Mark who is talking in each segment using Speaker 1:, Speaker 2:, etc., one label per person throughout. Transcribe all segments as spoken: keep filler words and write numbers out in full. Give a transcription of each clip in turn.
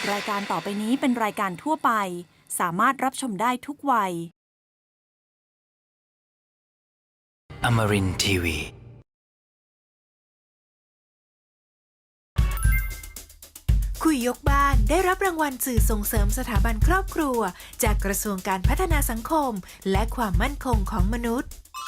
Speaker 1: รายการต่อไปนี้เป็นรายการทั่วไปสามารถรับชมได้ทุกวัย
Speaker 2: Amarin ที วี
Speaker 3: คุยยกบ้านได้รับรางวัลสื่อส่งเสริมสถาบันครอบครัวจากกระทรวงการพัฒนาสังคมและความมั่นคงของมนุษย์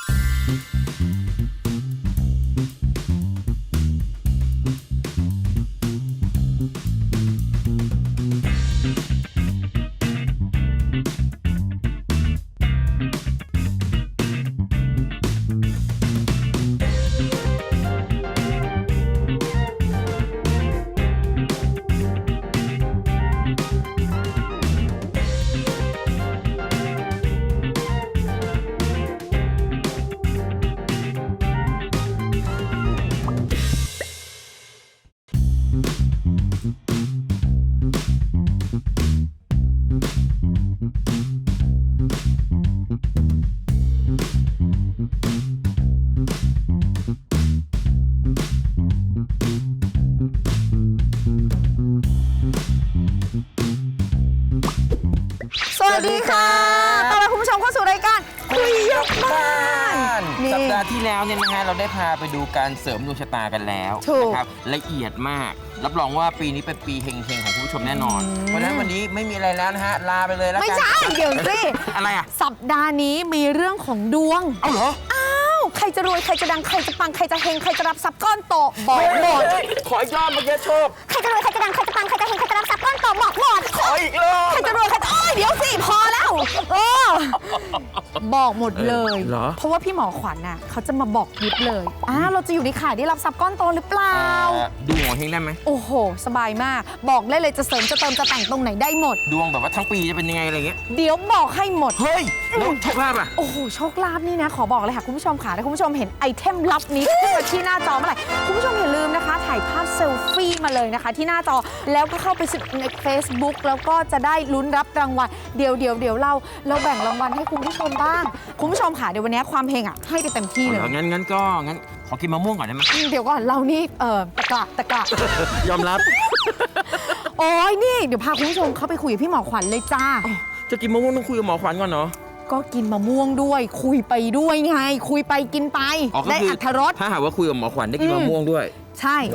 Speaker 4: สวัสดีค่ะต้อนรับคุณผู้ชมเข้าสู่รายการคุยยกบ้าน
Speaker 5: สัปดาห์ที่แล้วเนี่ยนะฮะเราได้พาไปดูการเสริมดวงชะตากันแล้วนะครับละเอียดมากรับรองว่าปีนี้เป็นปีเฮงๆของคุณผู้ชมแน่นอนเพราะฉะนั้นวันนี้ไม่มีอะไรแล้วนะฮะลาไปเลยแล้วกัน
Speaker 4: ไม่ใช่เดี๋ยวสิ
Speaker 5: อะไรอ่ะ
Speaker 4: สัปดาห์นี้มีเรื่องของดวง
Speaker 5: เอ้าเหรอ
Speaker 4: อ้าวใครจะรวยใครจะดังใครจะปังใครจะเฮงใครจะรับทรัพย์ก้อนโตบอกหมด
Speaker 5: ขออีกรอบเมื่อกี้โชค
Speaker 4: ใครจะรวยใครจะดังใครจะปังใครจะเฮงใครจะรับทรัพย์ก้อนโตบอกหมด
Speaker 5: ขออีกรอบ
Speaker 4: ใครจะรวยใครจะโอ้ยเดี๋ยวสิพอแล้วเออบอกหมดเลยเพราะว่าพี่หมอขวัญน่ะเขาจะมาบอกยิบเลยอ้าวเราจะอยู่ในข่ายได้รับทรัพย์ก้อนโตหรือเปล่า
Speaker 5: ดูหมอเฮงได้ไหม
Speaker 4: โอ้โหสบายมากบอกได้เลยจะเสริมจะเติมจะแต่งตรงไหนได้หมด
Speaker 5: ดวงแบบว่าทั้งปีจะเป็นยังไงอะไรเงี้ย
Speaker 4: เดี๋ยวบอกให้หมด
Speaker 5: เฮ้ยแล้วโชคลาภอ่ะ
Speaker 4: โอ้โหโชคลาภนี่นะขอบอกเลยค่ะคุณผู้ชมค่ะถ้าคุณผู้ชมเห็นไอเทมลับนี้ขึ้นมาที่หน้าจอเมื่อไหร่คุณผู้ชมอย่าลืมนะคะถ่ายภาพเซลฟี่มาเลยนะคะที่หน้าจอแล้วก็เข้าไปใน Facebook แล้วก็จะได้ลุ้นรับรางวัลเดี๋ยวเดี๋ยวเดี๋ยวเราเราแบ่งรางวัลให้คุณผู้ชมบ้างคุณผู้ชมค่ะเดี๋ยววันนี้ความเฮงอ่ะให้ไปเต็มที่เลย
Speaker 5: งั้นงั้นก็งั้นขอกินมะม่วงก่อนได้ไหม
Speaker 4: เดี๋ยวก่อนเรานี่เออตะกะตะกะ
Speaker 5: ยอมรับ
Speaker 4: โอ้ยนี่เดี๋ยวพาคุณผู้ชมเข้าไปคุยกับพี่หมอขวัญเลยจ้า
Speaker 5: จะกินมะม่วงต้องคุยกับหมอขวัญก่อนเนาะ
Speaker 4: ก็กินมะม่วงด้วยคุยไปด้วยไงคุยไปกินไปได้อรรถรส
Speaker 5: ถ้าหากว่าคุยกับหมอขวัญได้กินมะม่วงด้วย
Speaker 4: ใช่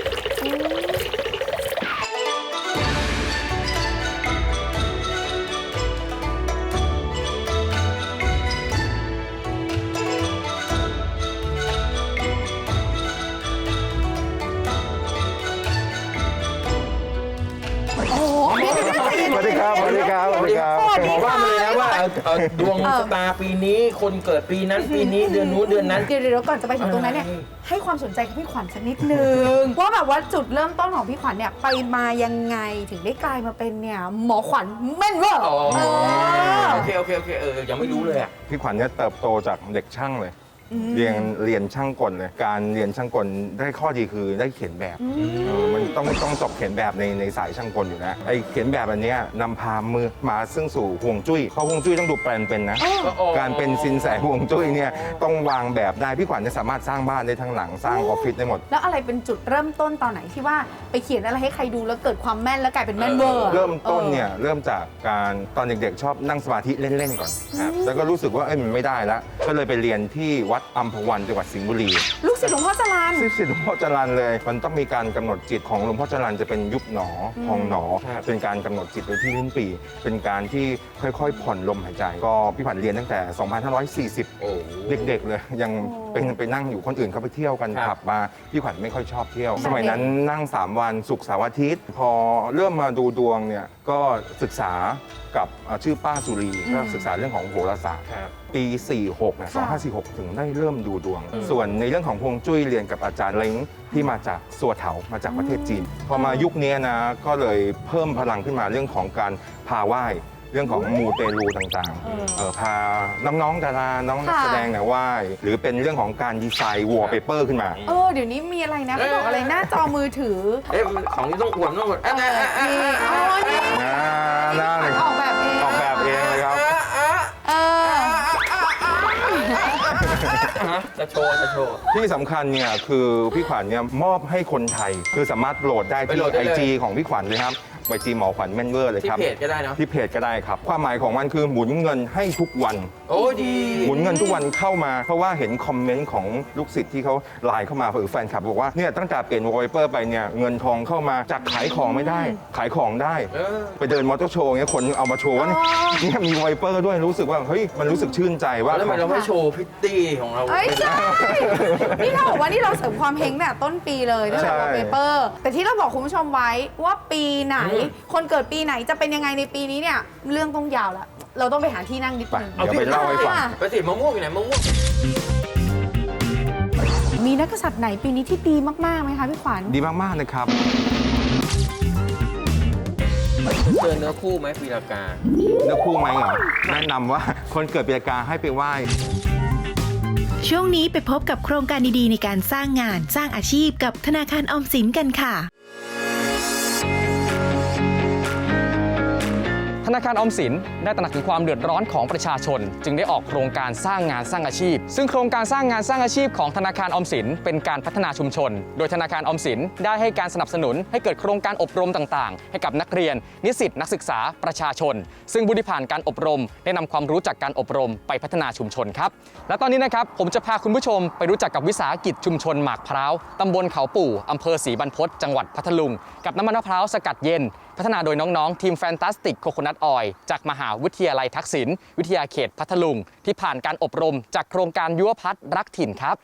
Speaker 6: สวัสดีครับ สวัสดีครับ สวัสดีครับ
Speaker 5: บอกว่ามาเลยนะว่าดวงชะตาปีนี้คนเกิดปีนั้นปีนี้เดือนนู้นเดือนนั้น
Speaker 4: เดี๋ยวเดี๋ยวก่อนจะไปถึงตรงนั้นเนี่ยให้ความสนใจกับพี่ขวัญสักนิดนึงว่าแบบว่าจุดเริ่มต้นของพี่ขวัญเนี่ยไปมายังไงถึงได้กลายมาเป็นเนี่ยหมอขวัญแม่นเวอร์
Speaker 5: โอเคโอเคโอเคเออยังไม่รู้เลยอ่ะ
Speaker 6: พี่ขวัญเนี่ยเติบโตจากเด็กช่างเลยเรียนเรียนช่างกลเลยการเรียนช่างกลได้ข้อดีคือได้เขียนแบบมันต้องต้องจบเขียนแบบในในสายช่างกลอยู่นะไอเขียนแบบอันนี้นำพามือมาซึ่งสู่ห่วงจุ้ยเพราะห่วงจุ้ยต้องดูแปลนเป็นนะการเป็นสินแสห่วงจุ้ยเนี่ยต้องวางแบบได้พี่ขวัญจะสามารถสร้างบ้านได้ทั้งหลังสร้างออฟฟิศได้หมด
Speaker 4: แล้วอะไรเป็นจุดเริ่มต้นตอนไหนที่ว่าไปเขียนอะไรให้ใครดูแล้วเกิดความแม่นแล้วกลายเป็นแม่นเวอร์
Speaker 6: เริ่มต้นเนี่ยเริ่มจากการตอนเด็กๆชอบนั่งสมาธิเล่นๆก่อนแล้วก็รู้สึกว่าเอ้ยมันไม่ได้แล้วก็เลยไปเรียนที่วัดอัมพวันจังหวัดสิงห์บุรี
Speaker 4: ลูกศิษย์หลวงพ่อจรัญ
Speaker 6: ลูกศิษย์หลวงพ่อจรัญเลยมันต้องมีการกำหนดจิตของหลวงพ่อจรัญจะเป็นยุบหนอพองหนอเป็นการกำหนดจิตไว้ที่ลิ้นปี่เป็นการที่ค่อยๆผ่อนลมหายใจก็พี่ขวัญเรียนตั้งแต่สองพันห้าร้อยสี่สิบเด็กๆเลยยังเป็นไปนั่งอยู่คนอื่นเขาไปเที่ยวกันขับมาพี่ขวัญไม่ค่อยชอบเที่ยวสมัยนั้นนั่งสามวันศุกร์เสาร์อาทิตย์พอเริ่มมาดูดวงเนี่ยก็ศึกษากับชื่อป้าสุรีก็ศึกษาเรื่องของโหราศาสตร์ปีสี่หกเนี่ยสองพันห้าร้อยสี่สิบหกถึงได้เริ่มดูดวงส่วนในเรื่องของฮวงจุ้ยเรียนกับอาจารย์เล้งที่มาจากสัวเถามาจากประเทศจีนพอมายุคนี้นะก็เลยเพิ่มพลังขึ้นมาเรื่องของการพาไหว้เรื่องของมูเตลูต่างๆพาน้องๆดาราน้องนักแสดงเนี่ยไหว้หรือเป็นเรื่องของการดีไซน์วอลเปเปอร์ขึ้นมา
Speaker 4: เออเดี๋ยวนี้มีอะไรนะเขาบอกอะไรหน้าจอมือถือ
Speaker 5: เอ๊ะของนี้ต้องอวดต้องอวดนี่
Speaker 4: อ๋อนี่
Speaker 6: น่าเลย
Speaker 4: ออกแบบเอง
Speaker 6: ออกแบบเองเลยครับ
Speaker 4: เออ
Speaker 5: จะโชว์จะโชว์
Speaker 6: ที่สำคัญเนี่ยคือพี่ขวัญเนี่ยมอบให้คนไทย คือสามารถโหลดได้
Speaker 5: ไป
Speaker 6: ที่
Speaker 5: โหลดได้
Speaker 6: ไอ
Speaker 5: เลย
Speaker 6: จีของพี่ขวัญเลยครับไอจีหมอขวัญแม่นเวอร์เลย
Speaker 5: ที่
Speaker 6: ครับ
Speaker 5: เพจก็ได้เนาะ
Speaker 6: ที่เพจก็ได้ครับ ความหมายของมันคือหมุนเงินให้ทุกวัน
Speaker 5: โอ้ดี
Speaker 6: หมุนเงินทุกวันเข้ามา เพราะว่าเห็นคอมเมนต์ของลูกศิษย์ที่เขาไลน์เข้ามาหรือแฟนคลับบอกว่าเนี่ยตั้งแต่เปลี่ยนวอลเปเปอร์ไปเนี่ยเงินทองเข้ามาจากขายของไม่ได้ ขายของได้
Speaker 5: เออ
Speaker 6: ไปเดินมอเตอร์โชว์เงี้ยคนเอามาโชว์ว่าเนี่ยเนี่ยมีวอลเปเปอร์ด้วยรู้สึกว่าเฮ้ยมันรู้สึกชื่นใจว่า
Speaker 5: แล้วทำไมเราไม่โชว์พิตตี้ของเรา
Speaker 4: เอ้ยใช่ นี่เราบอกว่านี่เราเสริมความเฮงตั้งแต่ต้นปีเลยตั้งแต่วอลเปเปอร์แต่ที่เราบอกคุณผู้ชมไว้ว่าปีไหน คนเกิดปีไหนจะเป็นยังไงในปีนี้เนี่ยเรื่องต้องยาวแล้วเราต้องไปหาที่นั่งนิด
Speaker 6: ไป
Speaker 4: นึง
Speaker 6: เดี๋ยวไปเล่าให้ฟัง
Speaker 5: ไปสิมะม่วงอยู่ไหนมะม่วง
Speaker 4: มีนักกษัตริย์ไหนปีนี้ที่ดีมากๆไหมคะพี่ขวัญ
Speaker 6: ดีมาก ๆ นะครับ
Speaker 5: เจอเนื้อคู่ไหมปีละกา
Speaker 6: เนื้อคู่ไหมเหรอ แนะนำว่าคนเกิดปีละกาให้ไปไหว้
Speaker 3: ช่วงนี้ไปพบกับโครงการดีๆในการสร้างงานสร้างอาชีพกับธนาคารออมสินกันค่ะ
Speaker 7: ธนาคารออมสินได้ตระหนักถึงความเดือดร้อนของประชาชน จึงได้ออกโครงการสร้างงานสร้างอาชีพ ซึ่งโครงการสร้างงานสร้างอาชีพของธนาคารออมสินเป็นการพัฒนาชุมชน โดยธนาคารออมสินได้ให้การสนับสนุนให้เกิดโครงการอบรมต่างๆ ให้กับนักเรียน นิสิตนักศึกษาประชาชน ซึ่งผู้ที่ผ่านการอบรมได้นำความรู้จากการอบรมไปพัฒนาชุมชนครับและตอนนี้นะครับผมจะพาคุณผู้ชมไปรู้จักกับวิสาหกิจชุมชนหมากพร้าวตำบลเขาปู่อำเภอศรีบรรพตจังหวัดพัทลุงกับน้ำมันมะพร้าวสกัดเย็นพัฒนาโดยน้องๆทีมแฟนตาสติกโคโคนัทออยล์จากมหาวิทยาลัยทักษิณวิทยาเขตพัทลุงที่ผ่านการอบรมจากโครงการยุวพัฒน์รักถิ่นครับ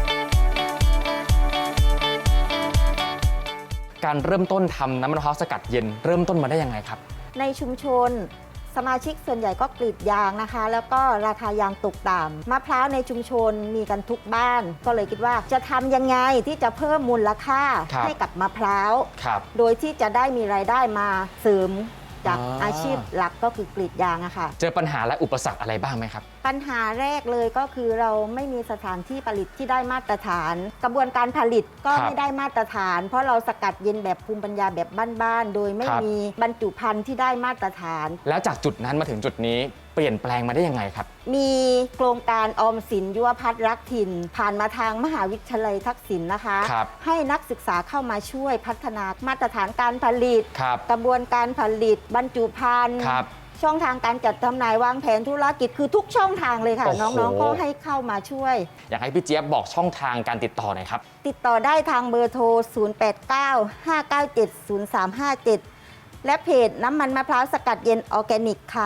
Speaker 7: การเริ่มต้นทำน้ำมันมะพร้าวสกัดเย็นเริ่มต้นมาได้ยังไงครับ
Speaker 8: ในชุมชนสมาชิกส่วนใหญ่ก็กรีดยางนะคะ แล้วก็ราคายางตกต่ำมะพร้าวในชุมชนมีกันทุกบ้าน ก็เลยคิดว่าจะทำยังไงที่จะเพิ่มมูลค่าให้กับมะพร้าว โดยที่จะได้มีรายได้มาเสริมจาก
Speaker 7: อ๋ออ
Speaker 8: อาชีพหลักก็คือกรีดยางอะค่ะ
Speaker 7: เจอปัญหาและอุปสรรคอะไรบ้างไหมครับ
Speaker 8: ปัญหาแรกเลยก็คือเราไม่มีสถานที่ผลิตที่ได้มาตรฐาน กระบวนการผลิตก็
Speaker 7: ครับ
Speaker 8: ไม่ได้มาตรฐาน เพราะเราสกัดเย็นแบบภูมิปัญญาแบบบ้านๆโดยไม่
Speaker 7: ครับ
Speaker 8: มีบรรจุภัณฑ์ที่ได้มาตรฐาน
Speaker 7: แล้วจากจุดนั้นมาถึงจุดนี้เปลี่ยนแปลงมาได้ยังไงครับ
Speaker 8: มีโครงการออมสินยุวพัฒน์รักถิ่น ผ่านมาทางมหาวิทยาลัยทักษิณนะคะ
Speaker 7: ครับ
Speaker 8: ให้นักศึกษาเข้ามาช่วยพัฒนามาตรฐานการผลิต
Speaker 7: ครับ
Speaker 8: กระบวนการผลิต บรรจุภัณฑ์
Speaker 7: ครับ
Speaker 8: ช่องทางการจัดจำหน่ายวางแผนธุรกิจคือทุกช่องทางเลยค่ะ
Speaker 7: โอ้โห
Speaker 8: น้องๆก็ให้เข้ามาช่วย
Speaker 7: อยากให้พี่เจี๊ยบบอกช่องทางการติดต่อหน่อยครับ
Speaker 8: ติดต่อได้ทางเบอร์โทร ศูนย์ แปด เก้า ห้า เก้า เจ็ด ศูนย์ สาม ห้า เจ็ด และเพจน้ำมันมะพร้าวสกัดเย็นออร์แกนิกค่ะ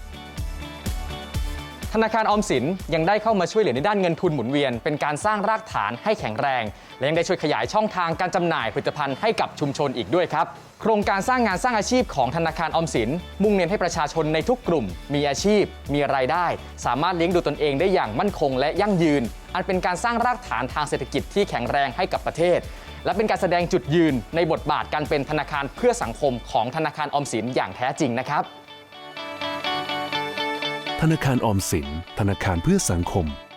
Speaker 7: ธนาคารออมสินยังได้เข้ามาช่วยเหลือในด้านเงินทุนหมุนเวียนเป็นการสร้างรากฐานให้แข็งแรง และยังได้ช่วยขยายช่องทางการจำหน่ายผลิตภัณฑ์ให้กับชุมชนอีกด้วยครับโครงการสร้างงานสร้างอาชีพของธนาคารออมสินมุ่งเน้นให้ประชาชนในทุกกลุ่ม มีอาชีพ มีรายได้ สามารถเลี้ยงดูตนเองได้อย่างมั่นคงและยั่งยืน อันเป็นการสร้างรากฐานทางเศรษฐกิจที่แข็งแรงให้กับประเทศ และเป็นการแสดงจุดยืนในบทบาทการเป็นธนาคารเพื่อสังคมของธนาคารออมสินอย่างแท้จริงนะครับ
Speaker 9: ธนาคารออมสินธนาคารเพื่อสังคม